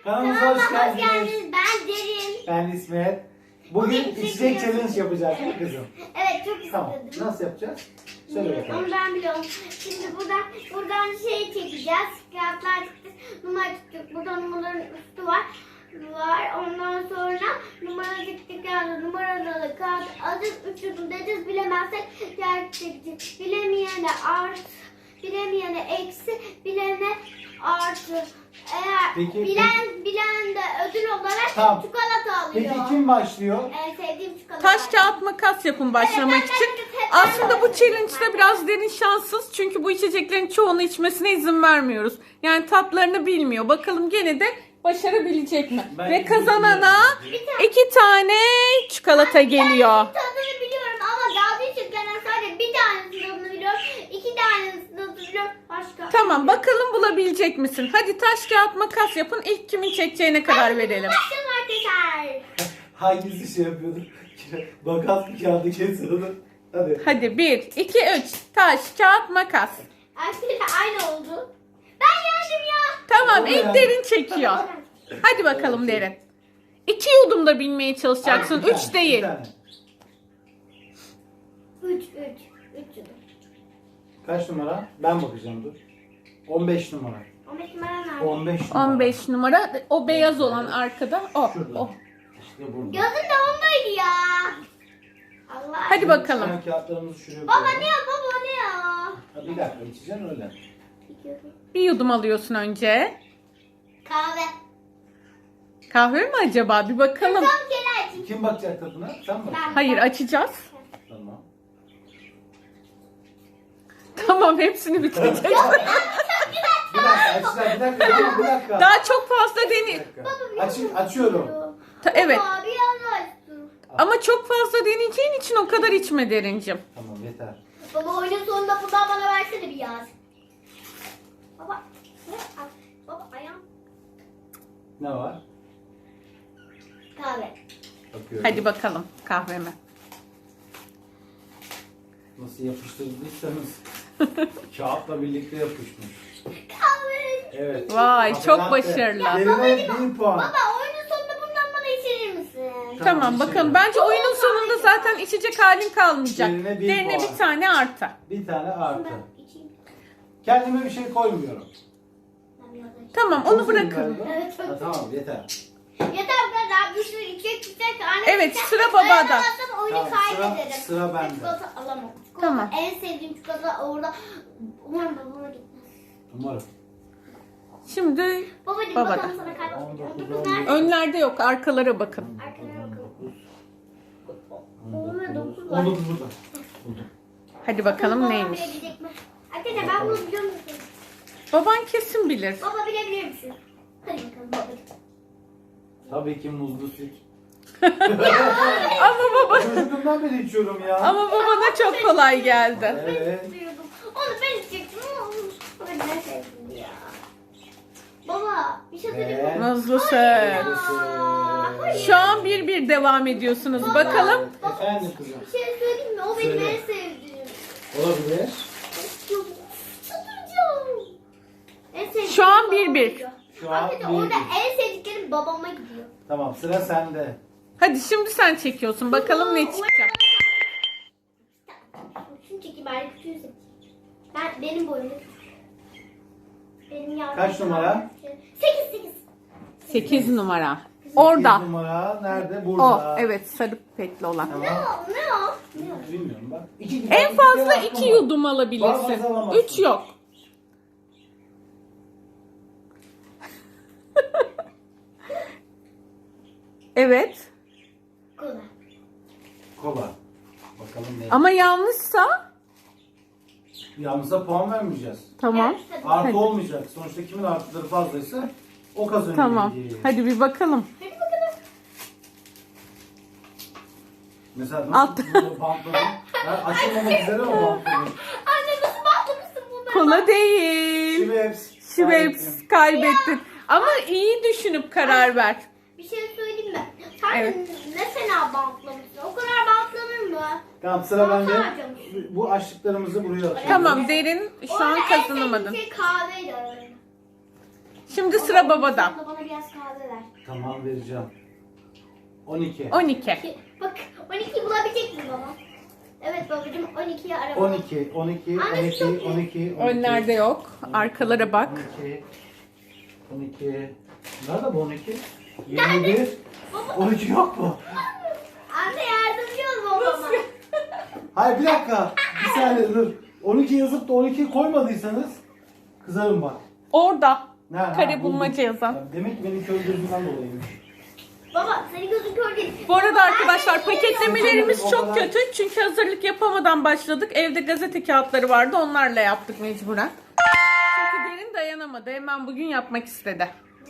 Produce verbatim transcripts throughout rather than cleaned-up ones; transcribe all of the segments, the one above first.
Kanalımıza hoş Kanalıma hoş geldiniz. geldiniz. Ben Derin. Ben İsmet. Bugün Bugün içecek içecek challenge yapacağız değil mi kızım? Evet, çok Tamam. istedim. Nasıl yapacağız? Söyle Bilmiyorum, bakalım. onu ben biliyorum. Şimdi buradan buradan şey çekeceğiz. Kağıtlar çıktı. Numara tuttuk. Burada numaraların üstü var. Var. Ondan sonra numara çıktık yani numaralı kağıt adı üçünü dediniz bilemezsek diğer çekeceğiz. Bilemeyene art, bilemeyene eksi, bilene artı. Eğer Peki, bilen bilen de ödül olarak Tamam. çikolata alıyor. Peki kim başlıyor? En sevdiğim çikolata. Taş kağıt makas yapın başlamak Evet, ben- için. ben- ben- ben- Aslında bu challenge'da biraz Derin şanssız. Çünkü bu içeceklerin çoğunu içmesine izin vermiyoruz. Yani tatlarını bilmiyor. Bakalım gene de başarabilecek mi? Ben Ve kazanana Bir tane- iki tane çikolata geliyor. Tadını biliyorum ama dalga geçenlerden sadece bir tanesini tadını biliyorum. İki tanesini tadını biliyorum. Başka. Tamam, bakalım bulabilecek misin? Hadi taş kağıt makas yapın. İlk kimin çekeceğine karar verelim. Başlayalım arkadaşlar. Hangisi şey yapıyordu? Makas bir kağıdı kesiyordu. Hadi. Hadi bir, iki, üç. Taş kağıt makas. Arkadaşlar aynı oldu. Ben yendim ya. Tamam, Oldu ilk ya. Derin çekiyor. Hadi bakalım Derin. İki yudumda bilmeye çalışacaksın. Bir tane, Üç bir değil. tane. Üç, üç. Üç yudum. Kaç numara? Ben bakacağım dur. on beş numara. on beş numara nerede? on beş numara. on beş numara. O beyaz olan arkada. O. Şurada. o. İşte burada. Gözün de ondaydı ya. Allah. Hadi bakalım. Sen kağıtlarımızı şuraya Baba koyalım. ne ya baba ne ya? Ha, bir dakika içeceksin öyle. İki yudum. Bir yudum alıyorsun önce. Kahve. Kahve mi acaba? Bir bakalım. Tam kere açayım. Kim bakacak tadına? Sen mi? Ben- Hayır, açacağız. Tamam. Tamam, hepsini bitireceğiz. Bir dakika açacağım. Bir dakika. Tamam, bir dakika. Daha çok fazla Bir deni. dakika. Baba, bir Aç, yudum açıyorum. istiyor. Ta- evet. Baba bir yana açtım. Ama çok fazla deneyeceğin için o kadar içme Derincim. Tamam yeter. Baba oyunun sonunda buradan bana versene bir yaz. Baba. Ne? Al. Baba ayağım. Ne var? Kahve. Bakıyorum. Hadi bakalım kahveme. Nasıl yapıştırdıysanız kağıtla birlikte yapışmış. Kahve. Evet. Vay, Kahve çok latte. başarılı. Derine bir puan. Baba oyunun sonunda bundan bana içirir misin? Tamam, Tamam, içelim. bakalım. Bence oyunun sonunda zaten içecek halin kalmayacak. Derine bir Derine puan. bir tane artı. Bir tane artı. Ben içeyim. Kendime bir şey koymuyorum. Ben biraz açayım. Tamam, Çok onu sevindim bırakın. galiba. Evet, çok Ha, tamam yeter. Yeter bu kadar. Bir sürü içecek içecek. Anne Evet, içecek. sıra babada. Dayanamazsam oyunu Tamam, sıra- kaybederim. sıra bende. Çikolata alamam. Çikolata Tamam. en sevdiğim çikolata orada. Umarım babama gitmez. Umarım. Şimdi Babacım Babada. bakalım sana kaç. On dokuz, Dokuz on nerede? önlerde yok, arkalara bakın. Arkalara bakalım. on Babamda dokuz. dokuz var. on dokuz burada. Buldum. Hadi bakalım Babam neymiş. bilebilecek mi? Arkadaşlar ben bunu biliyor musun? Baban kesin bilir. Baba bilebilir misin? Hadi bakalım babacım. Tabii ki muzlu süt. Ama baba Çocukluğumdan beri içiyorum ya. ama babana çok kolay geldi. Evet. Biliyordum. Onu ben içecektim ama olmuş. Baba ben sevdim ya. Baba bir şey söyleyeyim mi? Ve- Muzlu süt. Aa, Şu an bir bir devam ediyorsunuz. Bakalım. Efendim kızım. Bir şey söyleyeyim mi? O benim Söyle. en sevdiğim. Olabilir. Çıldıracağım. En sevdiğim Şu an babama bir bir. gidiyor. Şu an Arkadaşlar bir orada bir. en sevdiklerim babama gidiyor. Tamam sıra sende. Hadi şimdi sen çekiyorsun. Bakalım ne çıkacak. Şunu çekeyim bari küçüğü seçeyim. Ben, benim boyumda küçük. Benim yavrum. Kaç numara? sekiz sekiz. sekiz numara. sekiz Orada. numara nerede? O, Burada. evet, sarı pekli olan. Ne Tamam. o? Ne o? Ne o? Bilmiyorum bak. İki, En bak, fazla kere iki hakkım var. yudum alabilirsin. Fazla alamazsın. Üç yok. Evet. Kola. Kola. Bakalım ne? Ama yanlışsa Yalnızsa puan vermeyeceğiz. tamam. Evet, hadi. Artı Hadi. olmayacak. Sonuçta kimin artıları fazlaysa o kazanıyor. Tamam. diye. Hadi bir bakalım. Hadi bakalım. Mesela Alt. nasıl bunu bantladın? Ben açılmamak üzere mi bantladın? Anne nasıl bağlamışsın bunları? Kola değil. Şiveps. Şiveps kaybettin. Ama iyi düşünüp karar ver. Bir şey söyleyeyim mi? Sen Evet. ne fena bantlamışsın. O kadar bantlanır mı? Tamam sıra Tamam, bende. harcamışsın. Bu açlıklarımızı buraya atıyorum. Tamam, Derin şu an Orada en kazanamadın. sevdiğim şey kahveydi aralarında. Şimdi sıra babada. Sen de bana biraz kahve ver. Tamam vereceğim. on iki. on iki. Bak on ikiyi bulabilecek misin baba? Evet babacığım on ikiyi ara. on iki, on iki, Anne, on iki, çok iyi. on iki. Önlerde yok. Arkalara bak. on iki. on iki. Nerede bu on iki? yirmi bir. on iki yok mu? Anne yardımcı ol babama. Hayır bir dakika. Bir saniye dur. on iki yazıp da on iki koymadıysanız kızarım bak. Orada. Nerede? Ha, Kare buldum. bulmaca yazan. Ya demek ki benim kör gözümden dolayıymış. Baba senin gözün kör değil. Bu arada arkadaşlar Ben de paketlemelerimiz O çok kadar- kötü. Çünkü hazırlık yapamadan başladık. Evde gazete kağıtları vardı. Onlarla yaptık mecburen. Çünkü derin dayanamadı. Hemen bugün yapmak istedi.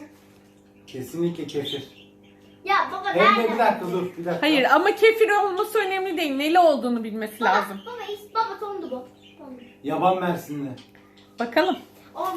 Kesinlikle kefir. Ya baba Hem de nerede? bir dakika dur bir dakika. Hayır ama kefir olması önemli değil. Neli olduğunu bilmesi Baba, lazım. Baba, is- baba tondu bu. Tondu. Yaban Mersinli. Bakalım. On.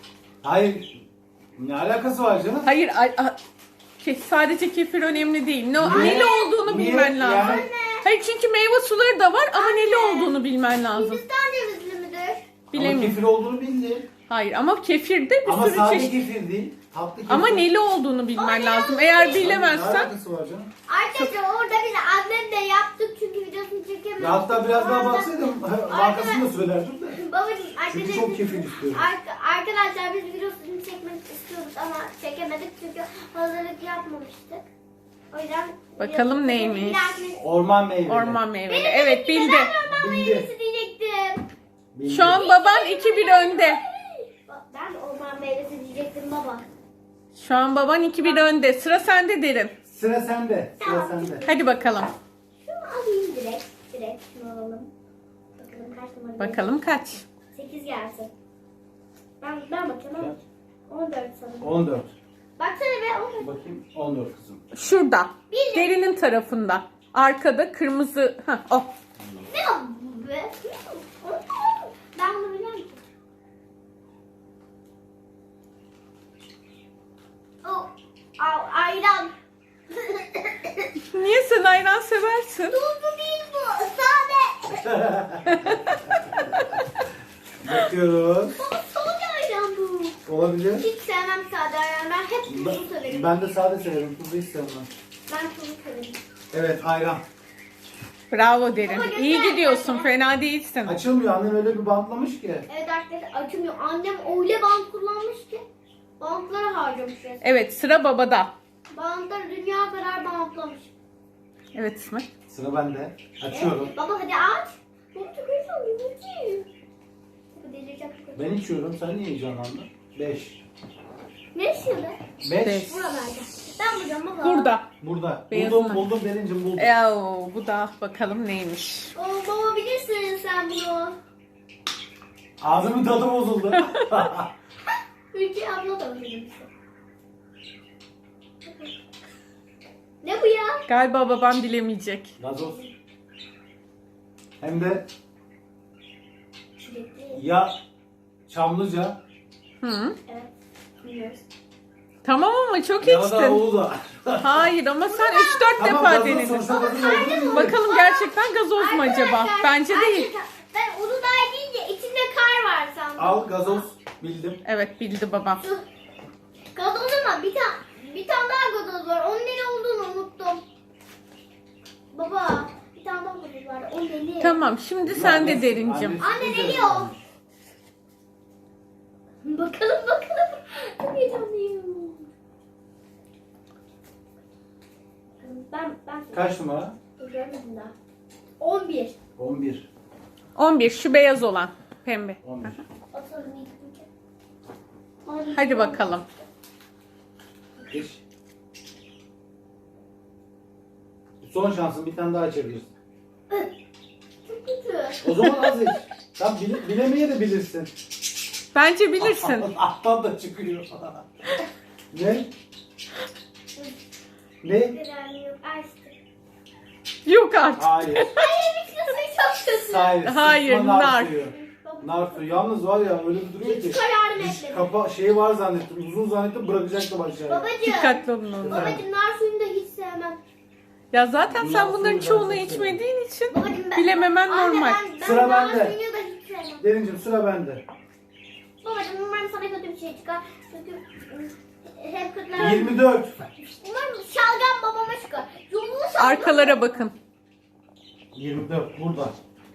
Hayır. Ne alakası var canım? Hayır ay- a- ke- sadece kefir önemli değil. Ne, Niye? neli olduğunu Niye? bilmen lazım. Yani- Hayır çünkü meyve suları da var ama neli olduğunu bilmen lazım. Hindistan cevizli müdür? Ama Bilemiyorum. kefir olduğunu bildi. Hayır ama kefirde bir Ama sürü sade çeşit. kefir değil. Tatlı kefir. Ama neli olduğunu bilmen Ama lazım. neli Eğer olduğunu Ne bilemezsen alakası var canım? Arkadaşlar orada biz annemle yaptık çünkü videosunu çekemedik. Ya hatta biraz daha Orada- baksaydım markasını da söylerdim de. Babacım Çünkü arkadaşlar, çok kefir istiyorum. Arka- arkadaşlar biz videosunu çekmek istiyoruz ama çekemedik çünkü hazırlık yapmamıştık. O yüzden Bakalım videosunu- neymiş? Bir dahakine- Orman meyveli. orman meyveli. Benim Evet bildi. bildi. Ben orman Bildi. meyvesi diyecektim. Bildi. Şu an baban iki bir önde. Ben de orman meyvesi diyecektim baba. Şu an baban iki bir önde. Sıra sende derin. Sıra sende. Sıra Tamam. sende. Hadi bakalım. Şunu alayım direkt. Direkt şunu alalım. Bakalım kaç numara? Bakalım kaç? sekiz gelsin. Ben, ben bakayım ama. on dört sanırım. on dört. Baksana be on dört. Bakayım on dört kızım. Şurada. Bildi. Derinin tarafında. Arkada kırmızı. Heh, oh. Ne o be? Ben bunu biliyorum ki. Oh, al, ayran. Niye sen ayran seversin? Tuzlu değil bu. Sade. Bakıyoruz. Baba sade ayran bu. Olabilir. Hiç sevmem sade ayran. Ben hep tuzlu Ben, severim. ben de sade severim. Tuzlu hiç sevmem. Ben tuzlu severim. Evet ayran. Bravo derin. Baba, İyi göster. gidiyorsun. Fena değilsin. Açılmıyor. Annem öyle bir bantlamış ki. Evet arkadaşlar açılmıyor. Annem öyle bant kullanmış ki. Bantları harcamış resmen. Evet sıra babada. Bantları dünya kadar bantlamış. Evet İsmet. Sıra bende. Açıyorum. Evet, baba hadi aç. Çok çok heyecanlıyım. Hadi. Baba delireceğim. Ben içiyorum. Sen niye heyecanlandın? beş. Ne istiyordu? beş. Beş. Buralarda. Ben bulacağım baba. Burada. Burada. Beyazına. Buldum buldum Derincim buldum. Eee, bu da bakalım neymiş. Oo, baba bilirsin sen bunu. Ağzımın tadı bozuldu. Ülke abla da bilir. Ne bu ya? Galiba babam bilemeyecek. Gazoz. Hem de Çilekli. ya Çamlıca Hı. Evet. Biliyoruz. Tamam ama çok ya da içtin. Uludağ. Hayır ama sen üç dört Tamam defa gazoz denedin. sonuçta gazoz olduğunu bildim. Bakalım gerçekten gazoz mu acaba? Arkadaşlar, Bence değil. arkadaşlar, Ben Uludağ deyince içinde kar var sandım. Al gazoz bildim. Evet bildi babam. Şu gazoz ama bir tane bir tane daha gazoz var. Onun ne olduğunu unuttum. Baba bir tane daha gazoz var. O neli? Tamam şimdi sen de derincim. Anne neli o? Bakalım bakalım. Çok heyecanlıyım. Ben ben Kaç numara? görmedim daha. on bir. on bir. on bir şu beyaz olan. Pembe. on bir. Atalım ilk. Hadi bakalım. Geç. Son şansın bir tane daha açabilirsin. Çok kötü. O zaman az iç. Sen bile, bilemeye de bilirsin. Bence bilirsin. Alttan da çıkıyor. Ne? Ne? Güzel yok. Açtı. Yok artık. Hayır. Hayır bir kısmı çok kötü. Hayır. Hayır, sıkma nar. suyu. Nar suyu. Yalnız var ya öyle bir duruyor ki. Hiç kararını Diş etmedim. kapa şeyi var zannettim. Uzun zannettim bırakacaktım aşağıya. Babacığım. Dikkatli olun onunla. Babacığım nar suyunu da hiç sevmem. Ya zaten sen Bundan bunların sonra çoğunu ben de içmediğin için Babacığım ben... bilememen Anne, normal. Ben, ben Sıra nar bende. suyunu da hiç sevmem. Derincim sıra bende. Babacığım umarım sana kötü bir bir şey çıkar. Çünkü ıı, hep kötüler. yirmi dört. Umarım şalgam babama çıkar. Yolunu şalgam. Arkalara bakın. yirmi dört burada.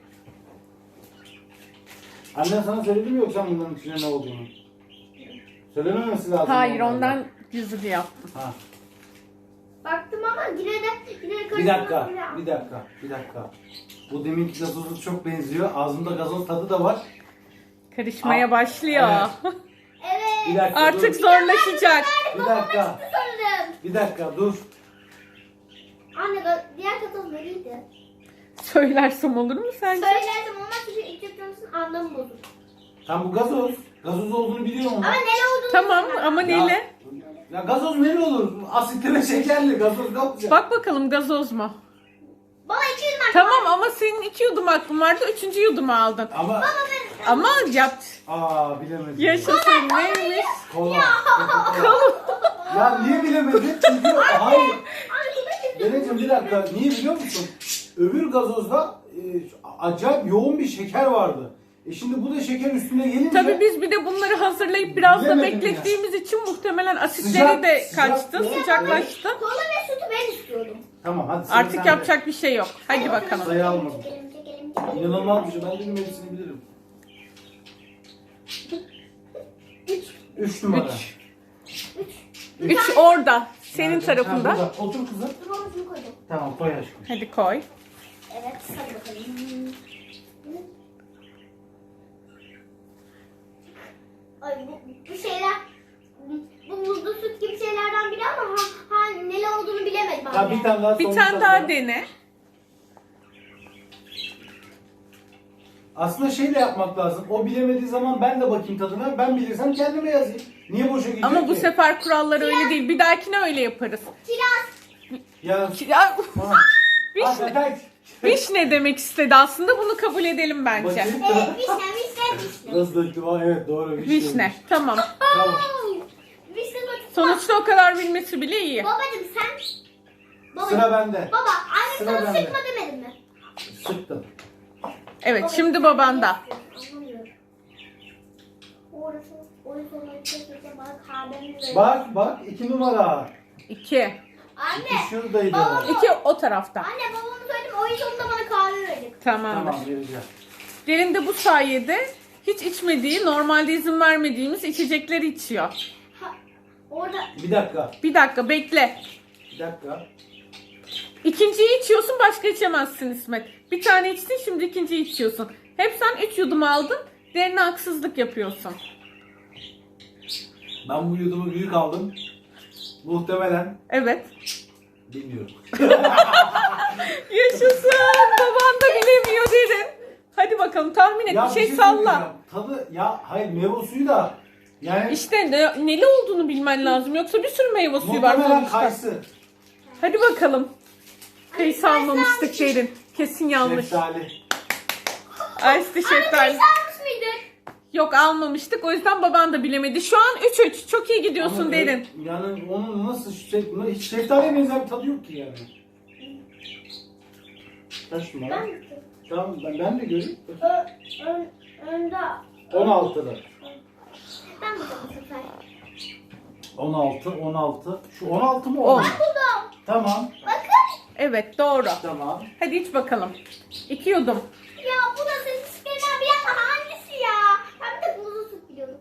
Annen sana söyledi mi yoksa bunların içinde ne olduğunu? Söylememesi lazım. Hayır, normalde. ondan gizli yaptım. Ha. Baktım ama yine de yine de Bir dakika, karıştırmak bir dakika, bir dakika. Bu deminki gazozu çok benziyor. Ağzımda gazoz tadı da var. Karışmaya Aa, başlıyor. evet. Evet. Bir dakika Artık dur. zorlaşacak. Bir dakika, Sanırım. bir dakika dur. Anne ga- diğer katoz nereydi? Söylersem olur mu sence? Söylerdim ama çünkü ilk katozun anlamı bozuldu. Tam bu gazoz. Gazoz olduğunu biliyorum ama. Ama ne olduğunu Tamam bilmiyorum. ama Ya- neyle? Ya gazoz ne olur? Asitli ve şekerli gazoz kapacak. Bak bakalım gazoz mu? Baba iki yüz mark. Tamam ama senin iki yudum hakkın vardı. Üçüncü yudumu aldın. Ama Ama yap. aa bilemedim. Yaşasın neymiş? Kola. Ya niye bilemedin? Çünkü hayır. Deneciğim bir dakika. Niye biliyor musun? Öbür gazozda e, acayip yoğun bir şeker vardı. E şimdi bu da şeker üstüne gelince Tabii biz bir de bunları hazırlayıp biraz da Bilemedim beklettiğimiz için muhtemelen asitleri Sıcak, de sıcak kaçtı, ya. sıcaklaştı. Kola ve sütü ben istiyordum. Tamam hadi. sıra Artık sende. yapacak bir şey yok. Hadi bakalım. Sayı almadım. Çekelim, çekelim, çekelim. İnanılmaz bir şey. Ben de hepsini bilirim. Üç. Üç numara. Üç. Üç. Üç orada. Senin Nerede? tarafında. Ha, burada. Otur kızım. Dur onu şunu koydum. Tamam koy aşkım. Hadi koy. Evet hadi bakalım. Ay bu, bu şeyler bu muzlu süt gibi şeylerden biri ama ha, ha neli olduğunu bilemedim. Ya anne. bir tane daha Bir son tane daha var. dene. Aslında şey de yapmak lazım. O bilemediği zaman ben de bakayım tadına. Ben bilirsem kendime yazayım. Niye boşa gidiyor Ama bu ki? sefer kurallar öyle değil. Bir dahakine öyle yaparız. Kiraz. Ya. Ya, Ha. vişne. Hakikaten. Vişne demek istedi aslında. Bunu kabul edelim bence. Bakayım. Evet vişne vişne vişne. Nasıl döktüm? Aa, evet doğru. Vişne. Vişne. Tamam. Tamam. Vişne bak. Sonuçta o kadar bilmesi bile iyi. Babacım sen. Baba, Sıra bende. Baba anne Sıra sana bende. sıkma demedim mi? Sıktım. Evet, Baba, şimdi sen babanda. ne yapıyorsun? Anlamıyorum. Orası oyun sonuna çekeceğim bana kahvemi ver. Bak bak iki numara. İki. Anne. İki şuradaydı. Baba. İki o tarafta. Anne babamı söyledim oyun sonunda bana kahve verecek. Tamamdır. Tamam vereceğim. Derin de bu sayede hiç içmediği, normalde izin vermediğimiz içecekleri içiyor. Ha, orada Bir dakika. Bir dakika bekle. Bir dakika. İkinciyi içiyorsun, başka içemezsin İsmet. Bir tane içtin, şimdi ikinciyi içiyorsun. Hep sen üç yudum aldın, derine haksızlık yapıyorsun. Ben bu yudumu büyük aldım. Muhtemelen. Evet. Bilmiyorum. Yaşasın. Baban da bilemiyor Derin. Hadi bakalım tahmin et, Ya bir şey söyleyeceğim. salla. Tadı ya hayır meyve suyu da yani İşte ne, neli olduğunu bilmen lazım. Yoksa bir sürü meyve suyu var muhtemelen sonuçta. kayısı. Hadi bakalım. Kayısı Anne, almamıştık kayısı Derin. Kesin yanlış. Şeftali. Ayşe şeftali. kayısı almış mıydık? Yok almamıştık. O yüzden baban da bilemedi. Şu an üç üç. Çok iyi gidiyorsun Ama Derin. evet, yani onun nasıl şey, hiç şeftaliye benzer bir tadı yok ki yani. Kaç numara? Ben Tamam ben, ben de göreyim. Ö, ön, önde. on altıda. Ben buldum bu sefer. on altı, on altı. Şu on altı mı On. on? Buldum. Tamam. Bakın. Evet doğru. Tamam. Hadi iç bakalım. İki yudum. Ya bu da senin çıkarılan bir yana hangisi ya? Ben bir de buzlu süt biliyorum.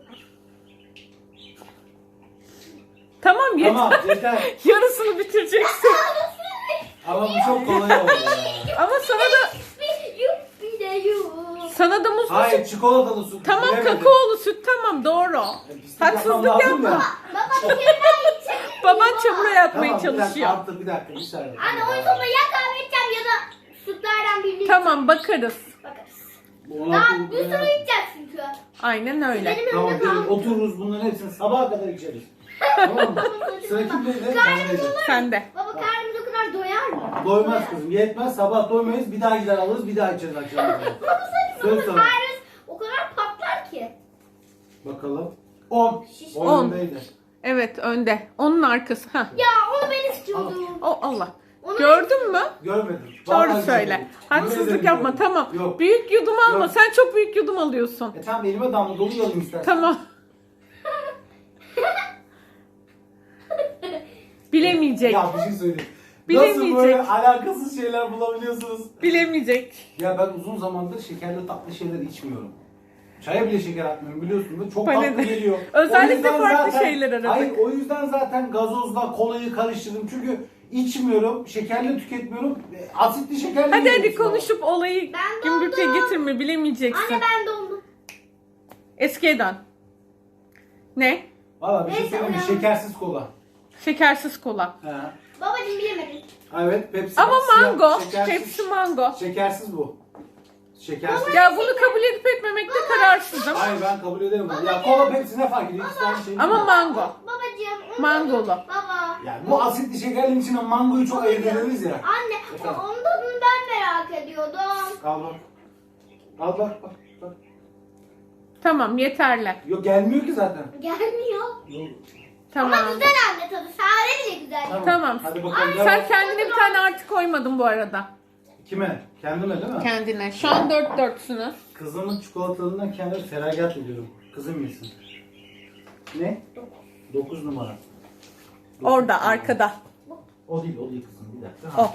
Tamam yeter. Tamam yeter. Yarısını bitireceksin. Ama bu çok kolay oldu ya. Ama sana da Yuppi de yup. sana da muzlu süt. Hayır çikolatalı su. Tamam Bilemedim. kakaolu süt tamam doğru. E, pislik Haksızlık yapmam lazım yapma. ya. Baba bir kere daha içelim. Baban çamura yatmaya Tamam bir dakika çalışıyor. artık bir dakika bir saniye. Anne oyun sonunda ya kahve içeceğim ya da sütlerden birini Tamam bakarız. bakarız. Bu on Daha altı bir sürü içeceğiz çünkü. Aynen öyle. Benim Tamam önümde gelin kaldı. otururuz bunların hepsini sabaha kadar içeriz. Tamam mı? Sıra kimdeydi? Bendeydi. Sen de. Baba karnımız o kadar doyar mı? Doymaz kızım yetmez sabah doymayız bir daha gider alırız bir daha içeriz akşam. Baba Söz sanki sana. baba karnımız o kadar patlar ki. Bakalım. on. Şiş- on On. öndeydi. Evet önde. Onun arkası. Heh. Ya onu ben istiyordum. O Allah. Onu Gördün mü? Görmedim. Doğru Vallahi söyle. görmedim. Haksızlık Yemin yapma ederim tamam. görmedim. Yok. Büyük yudum alma. Yok. Sen çok büyük yudum alıyorsun. E tamam elime damla dolu yalayım istersen. Tamam. Bilemeyecek. Ya bir şey söyleyeyim. Bilemeyecek. Nasıl böyle alakasız şeyler bulabiliyorsunuz? Bilemeyecek. Ya ben uzun zamandır şekerli tatlı şeyler içmiyorum. Çaya bile şeker atmıyorum biliyorsun da çok Bana tatlı da. geliyor. Özellikle O yüzden farklı zaten- şeyler aradık. Hayır o yüzden zaten gazozla kolayı karıştırdım. Çünkü içmiyorum, şekerli tüketmiyorum. e, Asitli şekerli Hadi hadi yiyorum sonra. konuşup olayı Ben gümbürtüye dondum. getirme, bilemeyeceksin. Anne ben dondum. Eskiden. Ne? Valla bir şey Neyse, söyleyeyim mi? uyan. Şekersiz kola. Şekersiz kola. He. Babacığım bilemedin. Evet Pepsi. Ama siyah, mango. şekersiz. Hepsi mango. Şekersiz bu. Şekersiz. Ya bunu kabul edip etmemekte kararsızım. Hayır ben kabul ederim bunu. Ya kola Pepsi ne fark ediyor? İkisi de aynı şey. Ama değil mi? mango. Babacığım. onu- Mangolu. Baba. Yani bu asitli şekerlerin içine mangoyu çok ayırt ederiz ya. Anne Efendim? onun tadını ben merak ediyordum. Al bak. Al bak bak. bak. Tamam, yeterli. Yok gelmiyor ki zaten. Gelmiyor. Yok. Tamam. Ama güzel anne tadı. Sade bile güzel. Tamam. Hadi bakalım. Ay, devam. Sen kendine bir tane artı koymadın bu arada. Kime? Kendime değil mi? Kendine. Şu an dört dörtsünüz. Kızımın çikolatalığından kendime feragat ediyorum. Kızım yesin. Ne? Dokuz numara. Dokuz Orada, numara. arkada. O değil, o değil kızım. Bir dakika. O. Ha,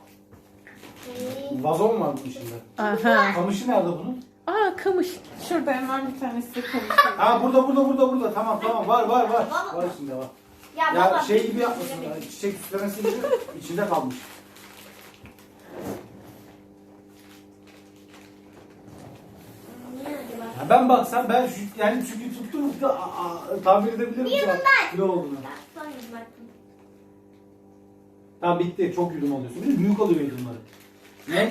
o. Vazon var bunun içinde. Aha. Kamışı nerede bunun? Aa, kamış. Şurada hemen bir tanesi kamış. Ha burada, burada, burada, burada. Tamam, tamam. Var, var, var. Var içinde var. Ya, Ya baba, şey gibi yapmasın. Yani çiçek süslemesi gibi içinde kalmış. Niye acaba? Ya ben baksam ben şu, yani çünkü tutturup da a, a, tahmin edebilirim şu an ne olduğunu. Ben son yüz baktım. Tamam bitti. Çok yudum alıyorsun. Bir de büyük alıyor yudumları. Ne?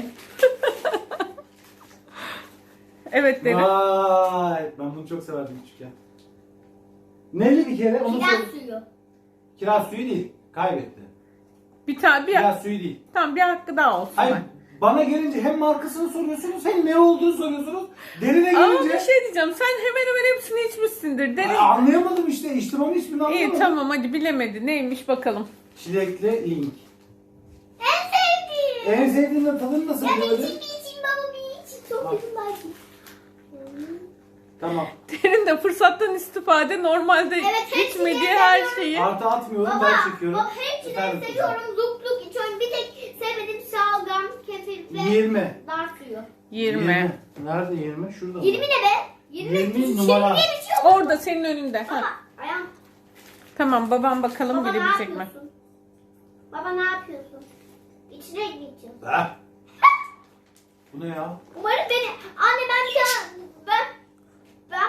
Evet dedim. Vay. Ben bunu çok severdim küçükken. Neli bir kere onu Kiraz sor. suyu. Kiraz suyu değil. Kaybetti. Bir tane bir Kiraz suyu değil. tamam bir hakkı daha olsun. Hayır. bak. Bana gelince hem markasını soruyorsunuz hem ne olduğunu soruyorsunuz. Derine Ama gelince bir şey diyeceğim. Sen hemen hemen hepsini içmişsindir. Deri... Ay, anlayamadım işte. İçtim ama hiçbirini anlamadım. İyi tamam hadi bilemedi. Neymiş bakalım. Çilekli link. En sevdiğim. En sevdiğin de tadını nasıl Ya bir böyle? için bir için baba bir için. Çok Bak. kötü belki. Tamam. Derin de fırsattan istifade normalde Evet, hepsini içmediği seviyorum. her şeyi. Artı atmıyorum Baba, ben çekiyorum. baba hepsini Efendim, seviyorum. Luk luk içiyorum. Bir tek sevmediğim şalgam, kefir ve yirmi. nar suyu. yirmi. Nerede yirmi? Şurada mı? yirmi ne be? yirmi, yirmi numara. diye bir şey yok. Orada senin önünde. Baba, Ha. ayağım. Tamam babam bakalım Baba ne bilebilecek mi? yapıyorsun? Baba ne yapıyorsun? İçine gideceğim. Ha? Bu ne ya? Umarım beni... Anne ben bir tane... Ben... Ben...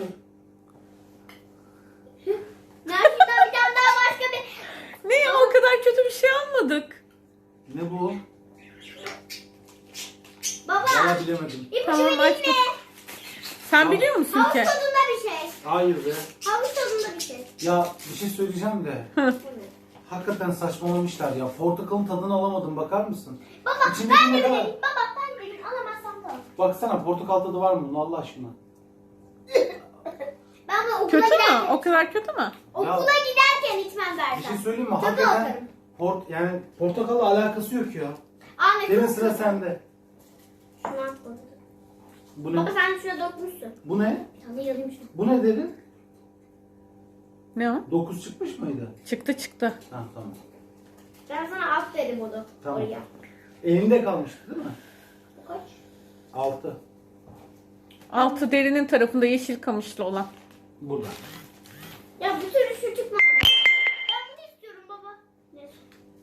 Gerçekten bir tane daha başka bir... Ne ya o kadar kötü bir şey almadık. Ne bu? Baba! Valla bilemedim. İpucu Tamam, vereyim açtık. mi? Sen biliyor musun Havuç ki? tadında bir şey. Hayır be. Havuç tadında bir şey. Ya bir şey söyleyeceğim de. Evet. Hakikaten saçmalamışlar ya. Portakalın tadını alamadım bakar mısın? Baba İçindeki ben ne de kadar? bileyim. Baba ben de bileyim. Alamazsam da. Baksana portakal tadı var mı bunun Allah aşkına? Ben bunu okula Kötü mü? giderken... O kadar kötü mü? Okula giderken içmem Bir şey zaten. söyleyeyim mi? Tadı Hakikaten atarım. port yani portakalla alakası yok ya. Anne Derin çok sıra kötü. sende. Şunu at baba. Bu Baba ne? sen şuna dokunmuşsun. Bu ne? Bir tane yalayım şunu. Bu ne dedin? Ne o? dokuz çıkmış mıydı? Çıktı çıktı. Ha tamam. Ben sana at dedim onu. Tamam. Oraya. Elinde kalmıştı değil mi? Bu kaç? altı. Altı derinin tarafında yeşil kamışlı olan. Burada. Ya bir türlü şu çıkmadı. Ben bunu istiyorum baba. Neyse.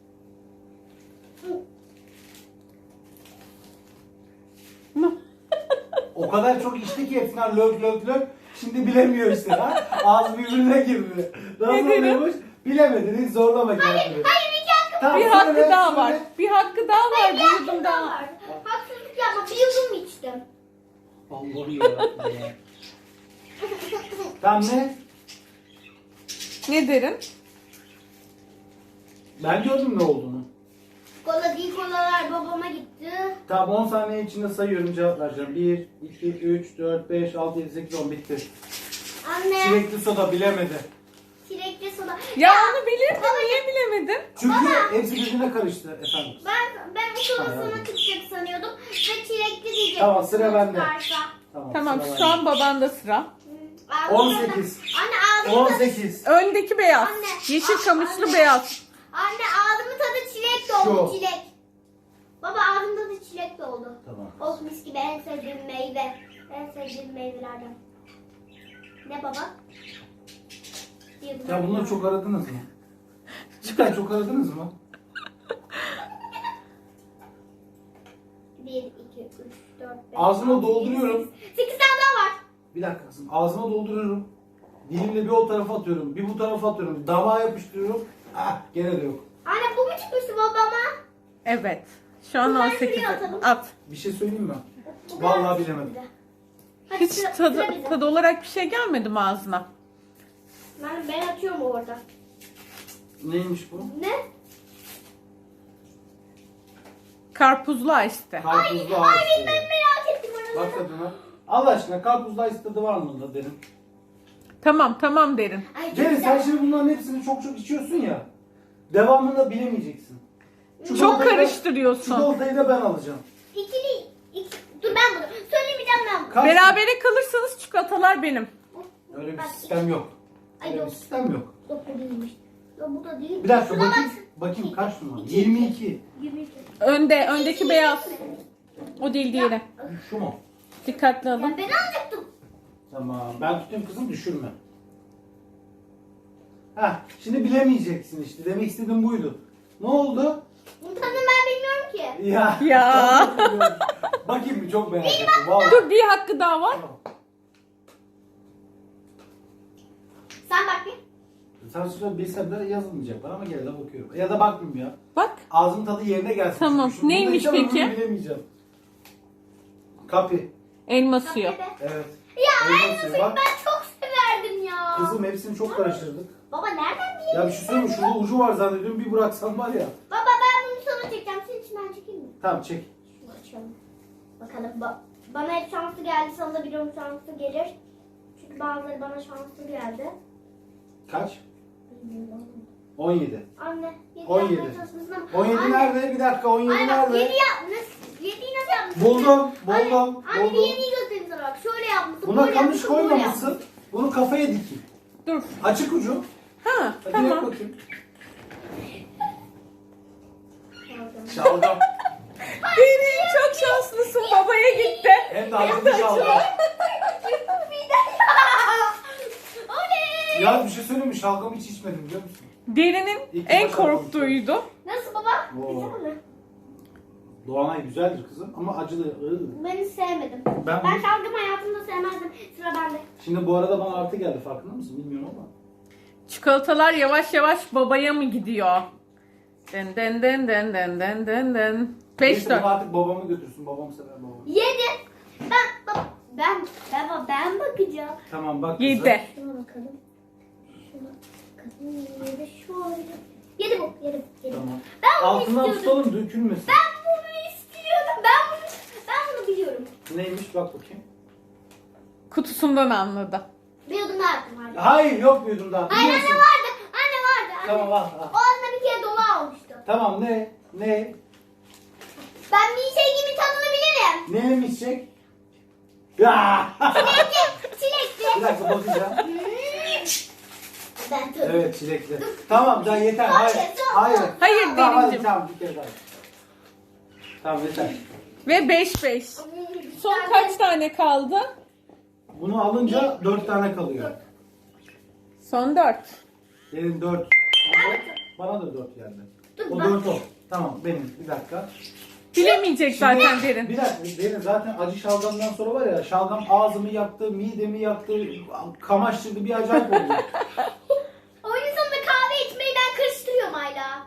Hı. O kadar çok içti ki hepsinden lök lök lök. Şimdi bilemiyor işte ha. Ağız birbirine girdi. Nasıl Ne dedim? oluyormuş? Bilemedin hiç zorlama kendini. Hayır iki hakkım. Tamam, Bir söyle, hakkı daha söyle. var. Bir hakkı daha var. Hayır bir Bir hakkım yudum daha daha. var. Haksızlık yapma. Bir yudum içtim. Allah'ım yarabbim ya. Tamam ne? Ne derin? Ben gördüm ne olduğunu. Kola değil kolalar babama gitti. Tamam on saniye içinde sayıyorum cevap vereceğim. bir, iki, üç, dört, beş, altı, yedi, sekiz, on bitti. Anne. Çilekli soda bilemedi. Çilekli soda. Ya onu bilirdin. Niye bilemedin? Çünkü hepsi birbirine karıştı efendim. Ben ben bu soda Hayır. sana çıkacak sanıyordum. Ve çilekli diyecektim. Tamam, sıra sana bende. çıkarsa. Tamam, Tamam sıra şu bende. an babanda sıra. Ağzı on zaten- sekiz. Anne ağzımın on tadı... sekiz. Öndeki beyaz. Anne, Yeşil a- kamışlı anne. beyaz. Anne ağzımın tadı çilek doldu, Şu. çilek. Baba ağzımın tadı çilek doldu. Tamam. Oh mis gibi en sevdiğim meyve. En sevdiğim meyvelerden. Ne baba? Bir Ya bunları çok aradınız mı? Cidden çok aradınız mı? bir, iki, üç, dört, beş, Ağzıma altı, dolduruyorum. yedi, sekiz. sekiz tane daha var. Bir dakika kızım. Ağzıma dolduruyorum. Dilimle bir o tarafa atıyorum. Bir bu tarafa atıyorum. Damağa yapıştırıyorum. Ah gene de yok. Anne bu mu çıkmıştı babama? Evet. Şu an Bunları on sekiz. şuraya atalım. At. Bir şey söyleyeyim mi? Bu Vallahi kadar bilemedim. çıktı. Hadi Hiç sıra- tadı, sıra bize. tadı olarak bir şey gelmedi mi ağzına? Ben, ben atıyorum orada. Neymiş bu? Ne? Karpuzlu işte. Karpuzlu Ay ağaçlı. ben merak ettim onu. Bak tadına. Allah aşkına karpuzlu ağaç tadı var mı da derim. Tamam tamam derin. Ay, çok Ceren güzel. sen şimdi bunların hepsini çok çok içiyorsun ya. Devamında bilemeyeceksin. Çok Çikolatayı da- karıştırıyorsun. Çikolatayı da ben alacağım. İkili, iki, dur ben bunu. Söylemeyeceğim ben bunu. Kaç- Berabere kalırsanız çikolatalar benim. Öyle bir Bak, sistem yok. Ay Öyle bir yok. sistem yok. Yok bu değilmiş. Yok bu da değil. Bir dakika Şuna bakayım. bak. Bakayım kaç numara? İki. yirmi iki. yirmi iki. Önde, öndeki beyaz. O değil diğeri. Şu mu? Dikkatli Ya alın. ben alacaktım. Tamam. Ben tutayım kızım düşürme. Heh, şimdi bilemeyeceksin işte. Demek istediğim buydu. Ne oldu? Bunun tadını ben bilmiyorum ki. Ya. Ya. Bakayım bir çok merak ettim. Vallahi. Dur bir hakkı daha var. Tamam. Sen bak bir. Sen sonra bilsem de yazılmayacak bana ama gene de bakıyorum. Ya da bakmayayım ya. Bak. Ağzın tadı yerine gelsin. Tamam. Çünkü şunu Neymiş bulacağım, peki? bunu Bilemeyeceğim. Kapi. Elma suyu. Evet. Ya Elma aynı suyu. suyu Bak. ben çok severdim ya. Kızım hepsini çok karıştırdık. Baba nereden bileyim? Ya bir şey söyleyeyim mi? Şurada ucu var zannediyorum. Bir bıraksam var ya. Baba ben bunu sana çekeceğim. Senin için ben çekeyim mi? Tamam çek. Şunu açalım. Bakalım. Ba- bana hep şanslı geldi. Sana da biliyorum şanslı gelir. Çünkü bazıları bana şanslı geldi. Kaç? Bilmiyorum. on yedi. Anne. yedi on yapmaya yedi. çalışmışsın ama- on yedi Anne, nerede? Bir dakika on yedi Anne bak nerede? yedi yapmış. yediyi nasıl yapmışsın? Buldum, Anne, buldum, Anne bir buldum. yediyi göstereyim sana bak. Şöyle yapmışsın. Buna böyle kamış yapmışsın, böyle koymamışsın. Bunu kafaya dikeyim. Dur. Açık ucu. Ha Hadi yap tamam. bakayım. yapmışsın. Şalgam. Derin çok şanslısın. Babaya gitti. Hem de acılı şalgam. Oley! Ya bir şey söyleyeyim mi? Şalgamı hiç içmedim biliyor musun? Derinin İlk en başta korktuğuydu. Nasıl baba? Oo. Güzel mi? Doğanay güzeldir kızım ama acılı. Iı. Ben hiç sevmedim. Ben Ben, bunu- şalgam hayatımda sevmezdim. Sıra bende. Şimdi bu arada bana artı geldi farkında mısın? Bilmiyorum ama. Çikolatalar yavaş yavaş babaya mı gidiyor? Den den den den den den den den. beş Neyse, dört. bunu artık babamı götürsün. Babam sever babamı. Yedi. Ben, baba, ben, ben, ben bakacağım. Tamam bak kızım. Yedi. Şuna bakalım. Şuna bakalım. Yedi şöyle. Yedi bu. Yedi bu. Yedi. Tamam. Ben bunu Altından istiyordum. tutalım dökülmesin. Ben bunu istiyordum. Ben bunu, ben bunu biliyorum. Neymiş bak bakayım. Kutusundan anladı. Bir yudum daha yaptım hadi. Hayır yok bir yudum daha. Hayır Biliyor anne musun? vardı. Anne vardı. Anne. Tamam al O al. aslında bir kere dolu almıştı. Tamam ne? Ne? Ben bir şey gibi tadını bilirim. Ne mi içecek? Ya! Çilekli. Çilekli. Bir dakika bakacağım. Hmm. Ben tadım. Evet çilekli. Tamam daha yeter. Çok Hayır. şey, çok, Hayır. çok. Hayır Tamam hadi Derincim. tamam bir kere daha. Tamam yeter. Ve beş beş. Son kaç tane kaldı? Bunu alınca dört tane kalıyor. Son dört. Benim dört. Bana da dört geldi. Dur, O bak. dört o. Tamam benim. Bir dakika. Bilemeyecek zaten Derin. Bir dakika. Benim zaten acı şalgamdan sonra var ya şalgam ağzımı yaktı, midemi yaktı, kamaştırdı bir acayip oldu. Oyunun sonunda kahve içmeyi ben karıştırıyorum hala.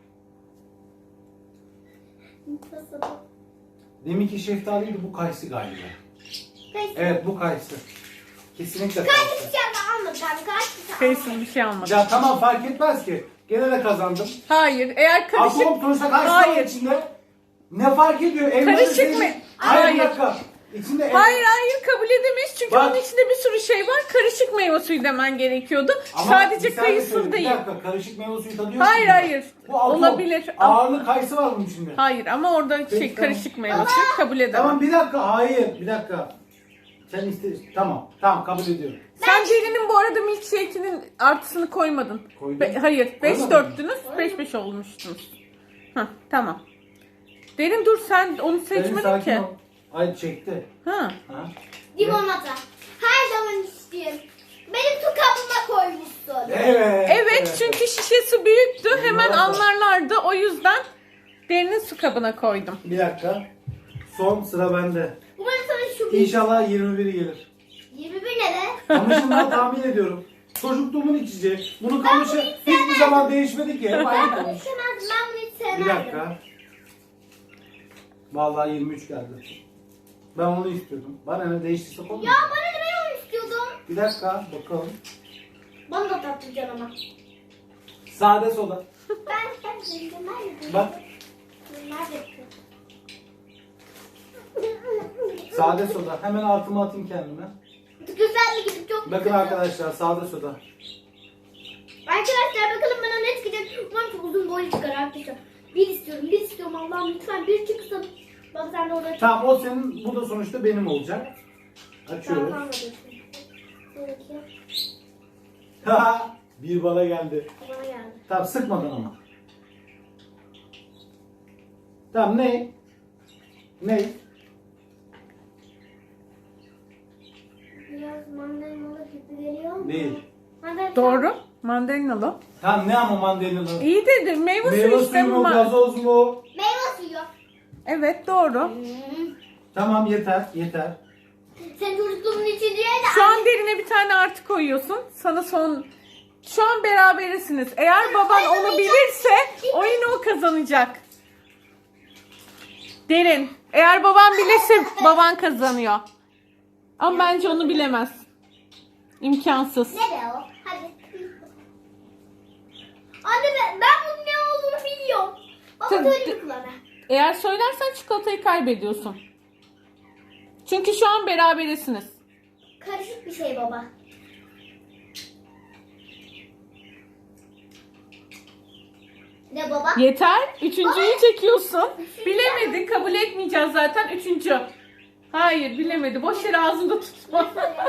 Nasıl? Deminki şeftaliydi bu kayısı galiba. Kayısı. Evet bu kayısı. Kesinlikle Kaç kayısı. bir şey almadım ben. Kaç bir şey Kayısız bir şey almadı. Ya tamam fark etmez ki. Gene de kazandım. Hayır. Eğer karışık... Atom sonuçta kayısı var Hayır. içinde. Ne fark ediyor? Elmanın Karışık şeyi- mı? Hayır. Hayır. Bir dakika. İçinde el- Hayır hayır kabul edemeyiz çünkü Bak. onun içinde bir sürü şey var. Karışık meyve suyu demen gerekiyordu. Ama Sadece bir saniye kayısız söyleyeyim. değil. Bir dakika karışık meyve suyu tadı yok. Hayır mu? hayır. Bu atom. Olabilir. Ağırlı kayısı var bunun içinde. Hayır ama orada şey Peki, tamam. karışık meyve suyu kabul edemem. Tamam bir dakika. Hayır. Bir dakika. Sen iste tamam. Tamam kabul ediyorum. Sen Derin'in bu arada milkshake'inin artısını koymadın. Koydum. Be- hayır beş Koymadın dörttünüz beş beş olmuştunuz. Hah tamam. Derin dur sen onu Senin seçmedin sakin ki. ol. Ay çekti. Ha. Ha? Limonata. Her zaman istiyorum. Benim su kabıma koymuşsun. Evet. Evet çünkü şişesi büyüktü hemen Limonata. anlarlardı o yüzden Derin'in su kabına koydum. Bir dakika. Son sıra bende. Umarım sana şu bir... İnşallah yirmi biri gelir. yirmi bir ne de? Ama şimdiden tahmin ediyorum. Çocukluğumun içeceği. Bunu kamışı hiçbir zaman değişmedi ki. Hep aynı Ben bunu kamış. istemezdim. Ben bunu hiç sevmezdim. Bir dakika. Vallahi yirmi üç geldi. Ben onu istiyordum. Bana ne değiştiyse Ya konu. bana ne, ben onu istiyordum. Bir dakika bakalım. Bana da tatlıcan ama. Sade soda. Ben ben ben nerede? Bak Nerede? sade soda. Hemen altıma atayım kendime. Güzellik gidip çok Bakın arkadaşlar sade soda. Arkadaşlar bakalım bana ne çıkacak. Umarım çok uzun boylu çıkar arkadaşlar. Bir istiyorum, bir istiyorum Allah'ım lütfen bir çıksın. Bak sen de orada çık. Tamam o senin, bu da sonuçta benim olacak. Açıyoruz. Tamam, Sonraki Haha, bir bana geldi. bana geldi. Tamam sıkmadan ama. Tamam ne? Ne? Biraz mandalinalı gibi geliyor mu? Değil. Mandalina- Doğru. Mandalinalı. Tamam ne ama mandalinalı? İyi dedi. Meyve, Meyve suyu işte. suyu mu, ma- gazoz mu? Meyve suyu. Evet doğru. Hmm. Tamam yeter, yeter. Sen çocukluğumun içinde de Şu an Derin'e bir tane artı koyuyorsun. Sana son... Şu an berabersiniz. Eğer baban onu bilirse oyunu o kazanacak. Derin. Eğer baban bilirse baban kazanıyor. Ama bence onu bilemez. İmkansız. ne be o? Hadi. Anne ben, ben bunun ne olduğunu biliyorum. Baba Tabii. söyle bir bana. Eğer söylersen çikolatayı kaybediyorsun. Çünkü şu an berabersiniz. Karışık bir şey baba. Ne baba? Yeter. Üçüncüyü çekiyorsun. Bilemedi. Kabul etmeyeceğiz zaten. Üçüncü. Hayır bilemedi. Boş yere ağzında tutma.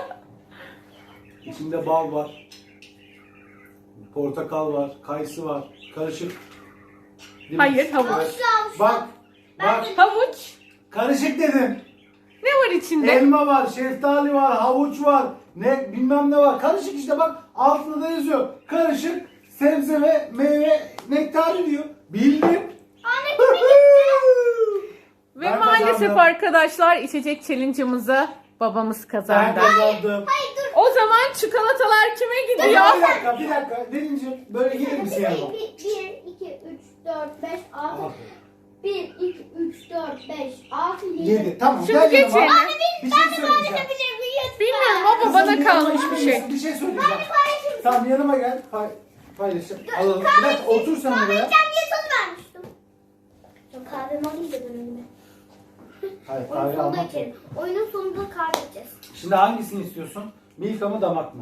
İçinde bal var. Portakal var, kayısı var. Karışık. Değil mi? Hayır havuç. Avuçlu avuçlu. Bak, bak. Havuç. Karışık dedim. Ne var içinde? Elma var, şeftali var, havuç var. Ne bilmem ne var. Karışık işte bak. Altında da yazıyor. Karışık sebze ve meyve nektarı diyor. Bildim. Anne bu benim. Ve Ben maalesef kazandım. arkadaşlar içecek challenge'ımızı babamız Ben kazandı. kazandım. Hayır dur. O zaman çikolatalar kime Bir gidiyor? dakika, bir dakika. Deninciğim böyle gelir misin yanıma? bir, iki, üç, dört, beş, altı. bir, iki, üç, dört, beş, altı, yedi. Yedi. Tamam. Şimdi gel geç yanıma. yerine. Anne Bir benim şey ben de söyleyeceğim. paylaşabilir miyim? Bilmiyorum ama Kızım, bana yanıma kalmış gelir bir şey. misin? Bir şey söyleyeceğim. Paylaşır mısın? Tamam yanıma gel. Pay paylaşalım. Alalım. Bir dakika otur sen buraya. Kahveyeceğim diye söz vermiştim. Çok kahvemi alayım da ben önüme. Hayır Oyunun kahve sonunda almak yok. içelim. Oyunun sonunda kahve içeceğiz. Şimdi hangisini istiyorsun? Milka mı damak mı?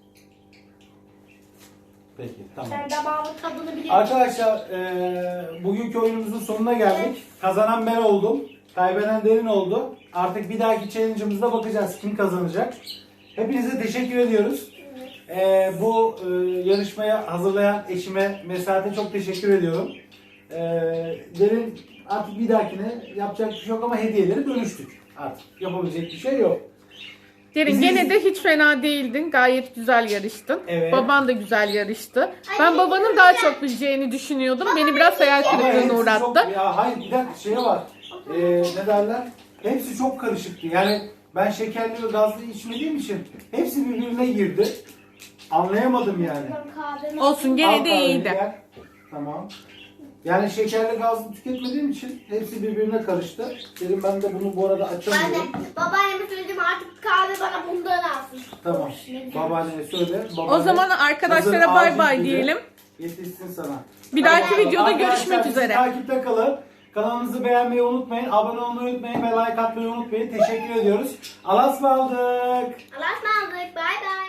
Peki tamam. Ben damağımın tadını biliyorum. Arkadaşlar eee, bugünkü oyunumuzun sonuna geldik. Kazanan ben oldum. Kaybeden Derin oldu. Artık bir dahaki challenge'ımızda bakacağız kim kazanacak. Hepinize teşekkür ediyoruz. Eee, bu eee, yarışmaya hazırlayan eşime Mesat'e çok teşekkür ediyorum. Eee Derin artık bir dahakine yapacak bir şey yok ama hediyeleri bölüştük. Artık yapabilecek bir şey yok. Derin Bizi- gene de hiç fena değildin. Gayet güzel yarıştın. Evet. Baban da güzel yarıştı. Ay, Ben ne babanın daha güzel. çok bileceğini düşünüyordum. Beni biraz hayal Ama kırıklığına hepsi uğrattı. çok, ya hayır bir dakika şey var. Ee, ne derler? Hepsi çok karışıktı. Yani ben şekerli ve gazlı içmediğim için hepsi birbirine girdi. Anlayamadım yani. Ben kahvemi Olsun gene Al de kahveyi, iyiydi. gel. Tamam. Yani şekerli gazlı tüketmediğim için hepsi birbirine karıştı. Dedim ben de bunu bu arada Ben de açamıyorum. babaanneme söyledim artık kahve bana bundan alsın. Tamam. Ne güzel. Babaanneye söyle. O babaanne zaman arkadaşlara hazır bay acil bay dedi. diyelim. Yetişsin sana. Bir dahaki Hadi bakalım. videoda Arkadaşlar, görüşmek bizi üzere. Takipte kalın. Kanalımızı beğenmeyi unutmayın. Abone olmayı unutmayın ve like atmayı unutmayın. Teşekkür ediyoruz. Allah'a ısmarladık. Allah'a ısmarladık. Bay bay.